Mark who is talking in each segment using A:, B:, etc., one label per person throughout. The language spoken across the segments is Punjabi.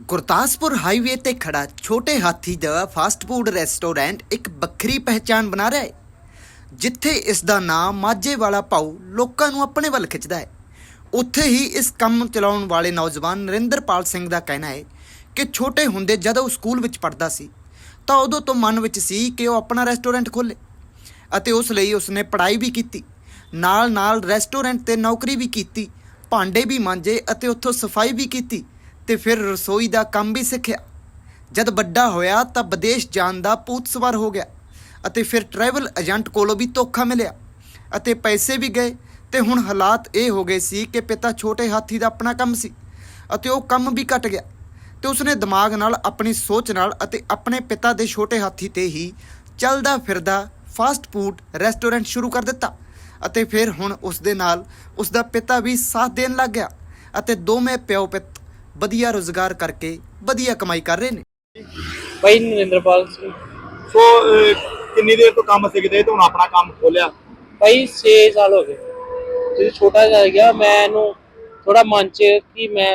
A: ਗੁਰਦਾਸਪੁਰ ਹਾਈਵੇ ਤੇ ਖੜਾ ਛੋਟੇ ਹਾਥੀ ਦਾ ਫਾਸਟ ਫੂਡ ਰੈਸਟੋਰੈਂਟ ਇੱਕ ਵੱਖਰੀ ਪਹਿਚਾਣ ਬਣਾ ਰਿਹਾ ਹੈ, ਜਿੱਥੇ ਇਸ ਦਾ ਨਾਮ ਮਾਝੇ ਵਾਲਾ ਭਾਊ ਲੋਕਾਂ ਨੂੰ ਆਪਣੇ ਵੱਲ ਖਿੱਚਦਾ ਹੈ। ਉੱਥੇ ਹੀ ਇਸ ਕੰਮ ਚਲਾਉਣ ਵਾਲੇ ਨੌਜਵਾਨ ਨਰਿੰਦਰਪਾਲ ਸਿੰਘ ਦਾ ਕਹਿਣਾ ਹੈ ਕਿ ਛੋਟੇ ਹੁੰਦੇ ਜਦੋਂ ਉਹ ਸਕੂਲ ਵਿੱਚ ਪੜ੍ਹਦਾ ਸੀ ਤਾਂ ਉਦੋਂ ਤੋਂ ਮਨ ਵਿੱਚ ਸੀ ਕਿ ਉਹ ਆਪਣਾ ਰੈਸਟੋਰੈਂਟ ਖੋਲ੍ਹੇ ਅਤੇ ਉਸ ਲਈ ਉਸਨੇ ਪੜ੍ਹਾਈ ਵੀ ਕੀਤੀ, ਨਾਲ ਰੈਸਟੋਰੈਂਟ ਤੇ ਨੌਕਰੀ ਵੀ ਕੀਤੀ, ਭਾਂਡੇ ਵੀ ਮਾਂਜੇ ਅਤੇ ਉੱਥੋਂ ਸਫਾਈ ਵੀ ਕੀਤੀ ਤੇ ਫਿਰ ਰਸੋਈ ਦਾ ਕੰਮ ਵੀ ਸਿੱਖਿਆ। ਜਦ ਵੱਡਾ ਹੋਇਆ ਤਾਂ ਵਿਦੇਸ਼ ਜਾਣ ਦਾ ਭੂਤ ਸਵਾਰ ਹੋ ਗਿਆ ਅਤੇ ਫਿਰ ਟਰੈਵਲ ਏਜੰਟ ਕੋਲੋਂ ਵੀ ਧੋਖਾ ਮਿਲਿਆ ਅਤੇ ਪੈਸੇ ਵੀ ਗਏ ਤੇ ਹੁਣ ਹਾਲਾਤ ਇਹ ਹੋ ਗਏ ਸੀ ਕਿ ਪਿਤਾ ਛੋਟੇ ਹਾਥੀ ਦਾ ਆਪਣਾ ਕੰਮ ਸੀ ਅਤੇ ਉਹ ਕੰਮ ਵੀ ਘਟ ਗਿਆ ਤੇ ਉਸਨੇ ਦਿਮਾਗ ਨਾਲ, ਆਪਣੀ ਸੋਚ ਨਾਲ ਅਤੇ ਆਪਣੇ ਪਿਤਾ ਦੇ ਛੋਟੇ ਹਾਥੀ ਤੇ ਹੀ ਚੱਲਦਾ ਫਿਰਦਾ ਫਾਸਟ ਫੂਡ ਰੈਸਟੋਰੈਂਟ ਸ਼ੁਰੂ ਕਰ ਦਿੱਤਾ ਅਤੇ ਫਿਰ ਹੁਣ ਉਸ ਦੇ ਨਾਲ ਉਸ ਦਾ ਪਿਤਾ ਵੀ ਸਾਥ ਦੇਣ ਲੱਗ ਗਿਆ ਅਤੇ ਦੋਵੇਂ ਪਿਓ ਪੁੱਤ ਵਧੀਆ ਰੋਜ਼ਗਾਰ ਕਰਕੇ ਵਧੀਆ ਕਮਾਈ ਕਰ ਰਹੇ ਨੇ।
B: ਭਾਈ ਨਰਿੰਦਰਪਾਲ ਸਿੰਘ।
C: ਸੋ ਕਿੰਨੀ ਦੇਰ ਤੋਂ ਕੰਮ ਸਿੱਖਦੇ ਤੇ ਹੁਣ ਆਪਣਾ ਕੰਮ ਖੋਲਿਆ?
B: ਭਾਈ 6 ਸਾਲ ਹੋ ਗਏ। ਜਦੋਂ ਛੋਟਾ ਜਿਹਾ ਗਿਆ ਮੈਨੂੰ ਥੋੜਾ ਮਨ ਚ ਕਿ ਮੈਂ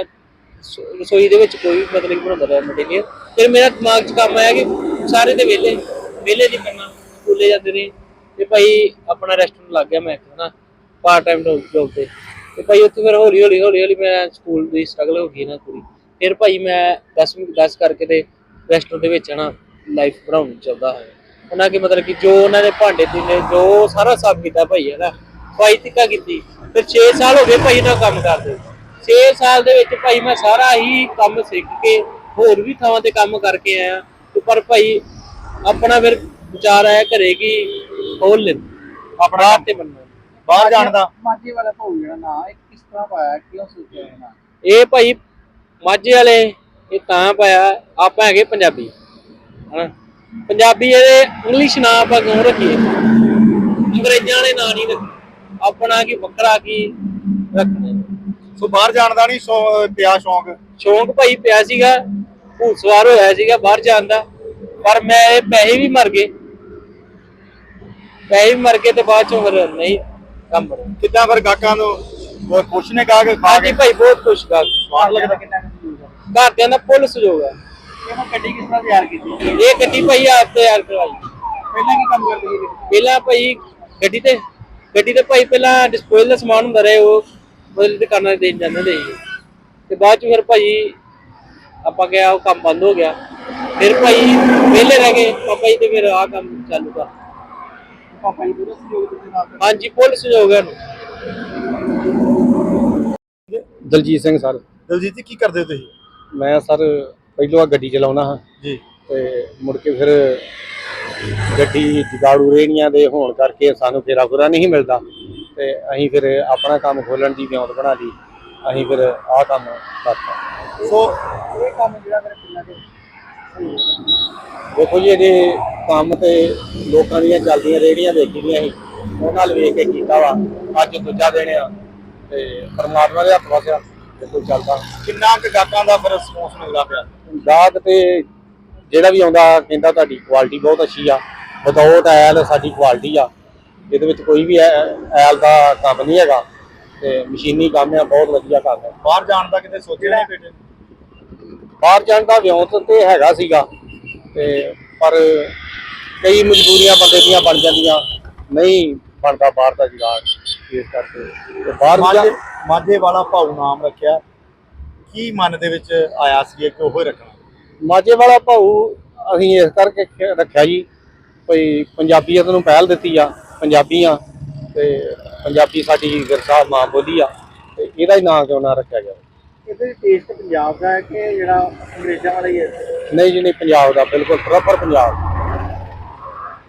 B: ਰਸੋਈ ਦੇ ਵਿੱਚ ਕੋਈ ਮਤਲਬ ਕਿ ਬਣਾਉਂਦਾ ਰਿਹਾ ਮਟੀਰੀਅਲ। ਫਿਰ ਮੇਰਾ ਦਿਮਾਗ 'ਚ ਕੰਮ ਆਇਆ ਕਿ ਸਾਰੇ ਦੇ ਵਿਹਲੇ ਨਹੀਂ ਕਰਨਾ, ਸਕੂਲੇ ਜਾਂਦੇ ਨੇ ਤੇ ਭਾਈ ਆਪਣਾ ਰੈਸਟੋਰੈਂਟ ਲੱਗ ਗਿਆ ਮੈਂ ਹਨਾ ਪਾਰਟ ਟਾਈਮ ਜੋਬ ਤੇ ਭਾਈ ਉੱਥੇ ਫਿਰ ਹੌਲੀ ਮੈਂ ਸਕੂਲ ਦੀ ਸਟਰਗਲ ਹੋ ਗਈ ਨਾ ਪੂਰੀ। ਫਿਰ ਭਾਈ ਮੈਂ 10 ਕਰਕੇ ਤੇ ਰੈਸਟੋਰੈਂਟ ਦੇ ਵਿੱਚ ਨਾ ਲਾਈਫ ਬਣਾਉਣੀ ਚਾਹੁੰਦਾ ਹਾਂ ਉਹਨਾਂ ਕੇ ਮਤਲਬ ਕਿ ਜੋ ਉਹਨਾਂ ਨੇ ਭਾਂਡੇ ਨੇ ਜੋ ਸਾਰਾ ਸਾਫ ਕੀਤਾ ਭਾਈ ਹੈ ਨਾ ਭਾਈ ਤਿੱਕਾ ਕੀਤੀ। ਫਿਰ 6 ਸਾਲ ਹੋ ਗਏ ਭਾਈ ਨਾਲ ਕੰਮ ਕਰਦੇ। 6 ਸਾਲ ਦੇ ਵਿੱਚ ਭਾਈ ਮੈਂ ਸਾਰਾ ਹੀ ਕੰਮ ਸਿੱਖ ਕੇ ਹੋਰ ਵੀ ਥਾਵਾਂ ਤੇ ਕੰਮ ਕਰਕੇ ਆਇਆ ਪਰ ਭਾਈ ਆਪਣਾ ਫਿਰ ਵਿਚਾਰ ਆਇਆ ਘਰੇ ਕਿ ਖੋਲ ਲੈ ਆਪਣਾ ਤੇ ਬਣਨਾ
C: ਬਾਹਰ ਜਾਣ ਦਾ।
D: ਮਾਝੇ ਵਾਲਾ ਭਾਊ ਜਿਹੜਾ ਨਾਂ ਇਹ ਕਿਸ ਤਰ੍ਹਾਂ ਪਾਇਆ, ਕਿਉਂ ਸੋਚਿਆ ਇਹ ਨਾਂ?
B: ਇਹ ਭਾਈ ਮਾਝੇ ਵਾਲੇ ਇਹ ਤਾਂ ਪਾਇਆ, ਆਪਾਂ ਹੈਗੇ ਪੰਜਾਬੀ ਹਨਾ, ਪੰਜਾਬੀ ਇਹਦੇ ਇੰਗਲਿਸ਼ ਨਾਂ ਆਪਾਂ ਕਿਉਂ ਰੱਖੀਏ, ਅੰਗਰੇਜ਼ਾਂ ਵਾਲੇ ਨਾਂ ਨਹੀਂ ਰੱਖੇ, ਆਪਣਾ ਕੀ ਵੱਖਰਾ ਕੀ ਰੱਖਣਾ।
C: ਸੋ ਬਾਹਰ ਜਾਣ ਦਾ ਨਹੀਂ ਪਿਆ
B: ਸ਼ੌਂਕ ਭਾਈ ਪਿਆ ਸੀਗਾ, ਭੂਤ ਸਵਾਰ ਹੋਇਆ ਸੀਗਾ ਬਾਹਰ ਜਾਣ ਦਾ, ਪਰ ਮੈਂ ਪੈਸੇ ਵੀ ਮਰ ਗਏ ਤੇ ਬਾਅਦ ਚੋਂ ਫਿਰ ਨਹੀਂ ਕੰਮ ਬਣਿਆ।
C: ਕਿੱਦਾਂ ਫਿਰ ਗਾਹਕਾਂ ਨੂੰ ਬਹੁਤ ਖੁਸ਼ ਨੇ ਗਾਹਕ ਖਾ ਕੇ?
B: ਹਾਂਜੀ ਭਾਈ ਬਹੁਤ ਖੁਸ਼ ਗਾਹਕ।
C: ਸਵਾਦ ਲੱਗਦਾ?
D: ਕਿੰਨਾ ਕੁ
B: ਘਰਦਿਆਂ ਦਾ ਫੁੱਲ ਸਹਿਯੋਗ ਹੈ।
D: ਇਹ ਗੱਡੀ ਕਿਸ ਤਰ੍ਹਾਂ ਤਿਆਰ ਕੀਤੀ?
B: ਇਹ ਗੱਡੀ ਭਾਈ ਆਪ ਤਿਆਰ ਕਰਵਾਈ।
D: ਪਹਿਲਾਂ ਕੀ ਕੰਮ ਕਰਦੇ ਸੀ?
B: ਪਹਿਲਾਂ ਭਾਈ ਗੱਡੀ ਤੇ ਭਾਈ ਪਹਿਲਾਂ ਡਿਸਪੋਜ਼ਲ ਦਾ ਸਮਾਨ ਹੁੰਦਾ ਰਿਹਾ, ਉਹ ਬਦਲ ਦੁਕਾਨਾਂ ਤੇ ਦੇਣ ਜਾਂਦੇ ਹੁੰਦੇ ਸੀ ਤੇ ਬਾਅਦ ਚ ਫਿਰ ਭਾਈ ਆਪਾਂ ਗਿਆ ਉਹ ਕੰਮ ਬੰਦ ਹੋ ਗਿਆ। ਫਿਰ ਭਾਈ ਵਿਹਲੇ ਰਹਿ ਗਏ ਪਾਪਾ ਜੀ ਤੇ ਫਿਰ ਆਹ ਕੰਮ ਚਾਲੂ ਕਰ।
D: ਪਾਪਾ ਜੀ ਪੂਰਾ ਸਹਿਯੋਗ ਦਿੱਤੇ ਨਾਲ?
B: ਹਾਂਜੀ ਫੁੱਲ ਸਹਿਯੋਗ ਹੈ।
E: ਦਲਜੀਤ ਸਿੰਘ ਸਰ।
C: ਦਲਜੀਤ ਜੀ ਕੀ ਕਰਦੇ ਹੋ ਤੁਸੀਂ?
E: ਮੈਂ ਸਰ ਪਹਿਲੋਂ ਗੱਡੀ ਚਲਾਉਣਾ ਹਾਂ
C: ਜੀ
E: ਤੇ ਮੁੜ ਕੇ ਫਿਰ ਗੱਡੀ ਜਗਾੜੂ ਰੇਹੜੀਆਂ ਦੇ ਹੋਣ ਕਰਕੇ ਸਾਨੂੰ ਫੇਰਾ ਫੁਰਾ ਨਹੀਂ ਮਿਲਦਾ ਤੇ ਅਸੀਂ ਫਿਰ ਆਪਣਾ ਕੰਮ ਖੋਲਣ ਦੀ ਵਿਉਂਤ ਬਣਾ ਲਈ, ਅਸੀਂ ਫਿਰ ਆਹ ਕੰਮ ਕਰਤਾ।
C: ਸੋ
D: ਇਹ ਕੰਮ ਜਿਹੜਾ ਮੇਰੇ ਪਿੰਡਾਂ ਦੇ
E: ਦੇਖੋ ਜੀ ਇਹਦੇ ਕੰਮ ਤੇ ਲੋਕਾਂ ਦੀਆਂ ਚੱਲਦੀਆਂ ਰੇਹੜੀਆਂ ਦੇਖੀ ਦੀਆਂ ਸੀ, ਉਹਨਾਂ ਨਾਲ ਵੇਖ ਕੇ ਕੀਤਾ ਵਾ। ਅੱਜ ਦੂਜਾ ਦਿਨ ਆ ਤੇ ਪਰਮਾਤਮਾ ਦੇ ਹੱਥ ਵਸਿਆ ਦੇਖੋ ਚੱਲਦਾ।
C: ਕਿੰਨਾ ਕੁ ਗਾਹਕਾਂ ਦਾ ਫਿਰ ਰਿਸਪੌਂਸ ਮਿਲਦਾ ਪਿਆ?
E: ਗਾਹਕ ਤੇ ਜਿਹੜਾ ਵੀ ਆਉਂਦਾ ਕਹਿੰਦਾ ਤੁਹਾਡੀ ਕੁਆਲਿਟੀ ਬਹੁਤ ਅੱਛੀ ਆ, ਵਿਦਆਊਟ ਐਲ ਸਾਡੀ ਕੁਆਲਿਟੀ ਆ, ਇਹਦੇ ਵਿੱਚ ਕੋਈ ਵੀ ਐਲ ਦਾ ਕੰਮ ਨਹੀਂ ਹੈਗਾ ਤੇ ਮਸ਼ੀਨੀ ਕੰਮ ਆ, ਬਹੁਤ ਵਧੀਆ ਕੰਮ ਹੈ।
C: ਬਾਹਰ ਜਾਣ ਦਾ ਕਿਤੇ ਸੋਚਿਆ ਨਹੀਂ ਬੇਟੇ?
E: ਬਾਹਰ ਜਾਣ ਦਾ ਵਿਉਂਤ ਤੇ ਹੈਗਾ ਸੀਗਾ ਤੇ ਪਰ ਕਈ ਮਜਬੂਰੀਆਂ ਬੰਦੇ ਦੀਆਂ ਬਣ ਜਾਂਦੀਆਂ, ਨਹੀਂ ਬਣਦਾ ਬਾਹਰ ਦਾ ਜੁਗਾੜ, ਇਸ ਕਰਕੇ ਤੇ ਬਾਹਰ
C: ਮਾਝੇ ਵਾਲਾ ਭਾਊ ਨਾਮ ਰੱਖਿਆ, ਕੀ ਮਨ ਦੇ ਵਿੱਚ ਆਇਆ ਸੀ ਕਿ ਉਹ ਹੀ ਰੱਖਣਾ?
E: ਮਾਝੇ ਵਾਲਾ ਭਾਊ ਅਸੀਂ ਇਸ ਕਰਕੇ ਰੱਖਿਆ ਜੀ ਕੋਈ ਪੰਜਾਬੀਅਤ ਨੂੰ ਪਹਿਲ ਦਿੱਤੀ ਆ, ਪੰਜਾਬੀ ਆ ਤੇ ਪੰਜਾਬੀ ਸਾਡੀ ਵਿਰਸਾ ਮਾਂ ਬੋਲੀ ਆ ਤੇ ਇਹਦਾ ਹੀ ਨਾਂ ਕਿਉਂ ਨਾ ਰੱਖਿਆ ਗਿਆ।
D: ਇਹਦੇ ਟੇਸਟ ਪੰਜਾਬ ਦਾ ਹੈ ਕਿ ਜਿਹੜਾ ਅੰਗਰੇਜ਼ਾਂ ਵਾਲਾ ਹੀ ਹੈ?
E: ਨਹੀਂ ਜੀ ਨਹੀਂ, ਪੰਜਾਬ ਦਾ ਬਿਲਕੁਲ ਪ੍ਰੋਪਰ ਪੰਜਾਬ।